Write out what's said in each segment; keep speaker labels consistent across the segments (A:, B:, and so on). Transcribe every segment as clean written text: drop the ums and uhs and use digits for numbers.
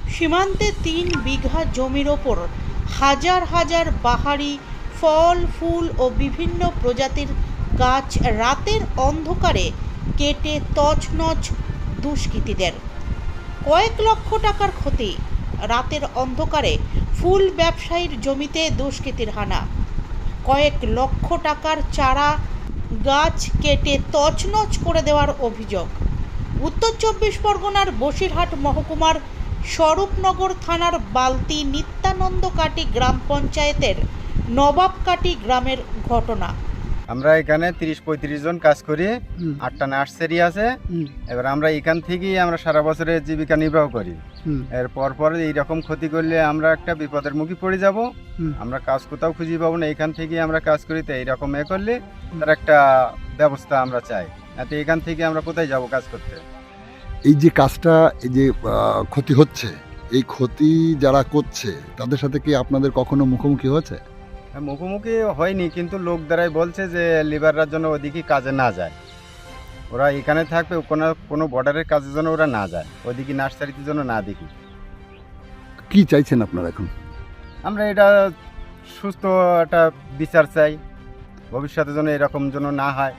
A: সীমান্তে ৩ বিঘা জমির ওপর হাজার হাজার বাহারি ফল ফুল ও বিভিন্ন প্রজাতির গাছ রাতের অন্ধকারে কেটে তছনছ দুষ্কৃতীদের। কয়েক লক্ষ টাকার ক্ষতি। রাতের অন্ধকারে ফুল ব্যবসায়ীর জমিতে দুষ্কৃতীর হানা। কয়েক লক্ষ টাকার চারা গাছ কেটে তছনছ করে দেওয়ার অভিযোগ। উত্তর ২৪ পরগনার বসিরহাট মহকুমার স্বরূপনগর থানার বালতি নিত্যানন্দকাটি গ্রাম পঞ্চায়েতের নবাবকাটি গ্রামের ঘটনা।
B: আমরা এখানে ৩০-৩৫ জন কাজ করি, ৮টা নার্সারি আছে। এবার আমরা এখান থেকেই আমরা সারা বছরের জীবিকা নির্বাহ করি। এর পর এইরকম ক্ষতি করলে আমরা একটা বিপদের মুখে পড়ে যাব। আমরা কাজ কোথাও খুঁজে পাবো না, এখান থেকেই আমরা কাজ করি। তো এইরকম করলে তার একটা ব্যবস্থা আমরা চাই। এতে এখান থেকে আমরা কোথায় যাব কাজ করতে?
C: এই যে কাজটা, এই যে ক্ষতি হচ্ছে, এই ক্ষতি যারা করছে তাদের সাথে কি আপনাদের কখনো মুখোমুখি হয়েছে?
B: মুখোমুখি হয়নি, কিন্তু লোক দ্বারাই বলছে যে লেবাররা জন্য ওদিকে কাজে না যায়, ওরা এখানে থাকবে, কোনো বর্ডারের কাজের জন্য ওরা না যায়, ওদিকে নার্সারিতে জন্য না দেখি।
C: কি চাইছেন আপনারা এখন?
B: আমরা এটা সুস্থ একটা বিচার চাই, ভবিষ্যতের জন্য এরকম যেন না হয়।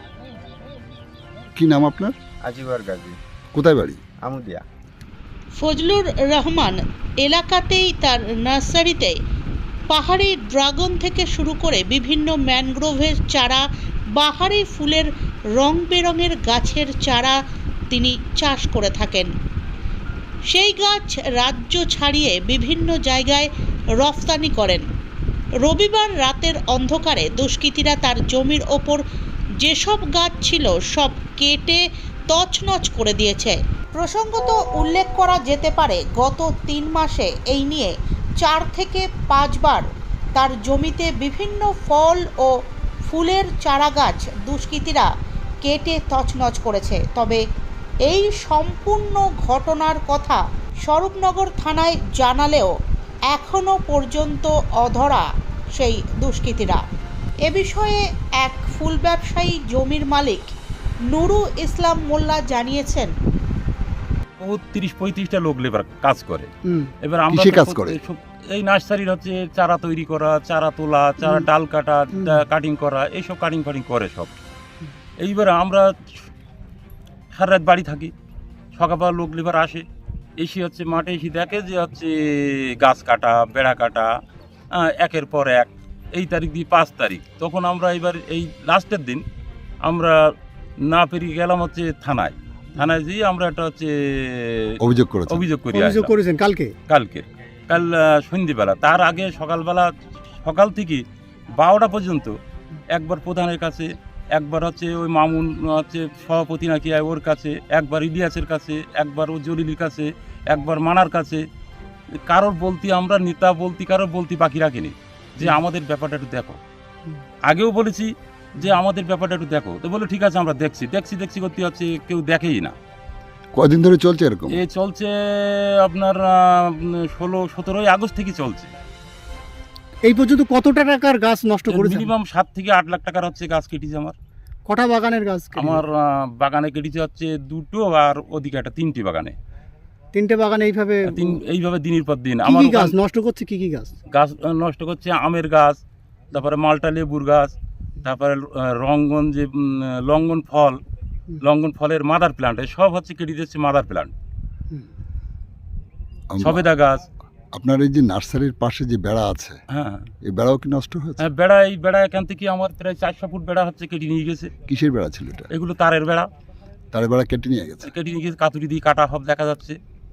C: কি নাম আপনার?
B: আজিবার গাজী।
C: কোথায় বাড়ি?
B: আমুদিয়া।
A: ফজলুর রহমান এলাকাতেই তার নার্সারিতে পাহাড়ি ড্রাগন থেকে শুরু করে বিভিন্ন ম্যানগ্রোভের চারা, বাহারি ফুলের রং বেরঙের গাছের চারা তিনি চাষ করে থাকেন। সেই গাছ রাজ্য ছাড়িয়ে বিভিন্ন জায়গায় রফতানি করেন। রবিবার রাতের অন্ধকারে দুষ্কৃতীরা তার জমির ওপর যেসব গাছ ছিল সব কেটে তছনছ করে দিয়েছে। প্রসঙ্গত উল্লেখ করা যেতে পারে, গত ৩ মাসে এই নিয়ে ৪ থেকে ৫ বার তার জমিতে বিভিন্ন ফল ও ফুলের চারা গাছ দুষ্কৃতীরা কেটে তছনছ করেছে। তবে এই সম্পূর্ণ ঘটনার কথা স্বরূপনগর থানায় জানালেও এখনও পর্যন্ত অধরা সেই দুষ্কৃতীরা। এ বিষয়ে এক ফুল ব্যবসায়ী জমির মালিক নুরু ইসলাম মোল্লা জানিয়েছেন,
D: ৩০-৩৫টা লোক লেবার কাজ করে। এবার আমরা
C: কাজ করে
D: এই নার্সারির হচ্ছে চারা তৈরি করা, চারা তোলা, চারা ডাল কাটা, কাটিং করা, এইসব কাটিং করে সব। এইবার আমরা সারা রাত বাড়ি থাকি, সকালবেলা লোক লেবার আসে, এসে হচ্ছে মাঠে এসে দেখে যে হচ্ছে গাছ কাটা, বেড়া কাটা, একের পর এক, এই তারিখ দিয়ে 5 তারিখ। তখন আমরা এবার এই লাস্টের দিন আমরা না পেরিয়ে গেলাম হচ্ছে থানায় যেয়ে আমরা একটা হচ্ছে অভিযোগ করেছেন কাল সন্ধ্যেবেলা। তার আগে সকাল থেকে 12টা পর্যন্ত একবার প্রধানের কাছে, একবার হচ্ছে ওই মামুন হচ্ছে সভাপতি নাকি ওর কাছে, একবার ইলিয়াসের কাছে, একবার ও জলিলের কাছে, একবার মানার কাছে, কারোর বলতি আমরা নেতা বলতি কারোর বলতি বাকি রাখিনি যে আমাদের ব্যাপারটা একটু দেখো। আগেও বলেছি যে আমাদের ব্যাপারটা একটু দেখো, তো বলে ঠিক আছে আমরা দেখছি করতে হচ্ছে, কেউ দেখেই না।
C: কদিন ধরে চলছে এরকম?
D: এ চলছে আপনার 16-17 আগস্ট থেকে চলছে।
E: এই পর্যন্ত কত টাকার গাছ নষ্ট করেছে?
D: মিনিমাম 7 থেকে 8 লাখ টাকার হচ্ছে গাছ কেটেছে আমার।
E: কটা বাগানের গাছ?
D: আমার বাগানে কেটেছে হচ্ছে 2টো, আর ওদিকে একটা 3টে বাগানে।
E: 3টে বাগানে
D: এইভাবে দিনের পর দিন
E: আমার গাছ নষ্ট করছে। কি গাছ
D: নষ্ট করছে? আমের গাছ, তারপরে মালটা লেবুর গাছ, তারপরে লঙ্ঘন ফলের মাদার প্ল্যান্ট, সব হচ্ছে কেটে দিচ্ছে মাদার প্ল্যান্ট, সবেদা গাছ।
C: আপনার এই যে নার্সারির পাশে যে বেড়া আছে,
D: হ্যাঁ, এই
C: বেড়াও কি নষ্ট হয়েছে?
D: হ্যাঁ, এই বেড়া এখান থেকে আমার প্রায় 400 ফুট বেড়া হচ্ছে কেটে নিয়ে গেছে।
C: কিসের বেড়া ছিল এটা?
D: এগুলো তারের বেড়া
C: কেটে নিয়ে গেছে।
D: কাতুরি দিয়ে কাটা সব দেখা যাচ্ছে।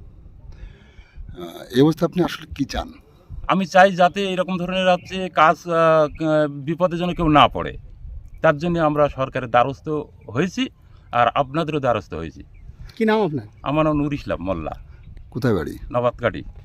C: এই অবস্থা আপনি আসলে কি চান?
D: আমি চাই যাতে এরকম ধরনের হচ্ছে কাজ বিপদের জন্য কেউ না পড়ে, তার জন্য আমরা সরকারের দ্বারস্থ হয়েছি, আর আপনাদেরও দ্বারস্থ হয়েছি।
E: কি নাম আপনার?
D: আমার নাম নুর ইসলাম মোল্লা।
C: কোথায় বাড়ি?
D: নবাবকাটি।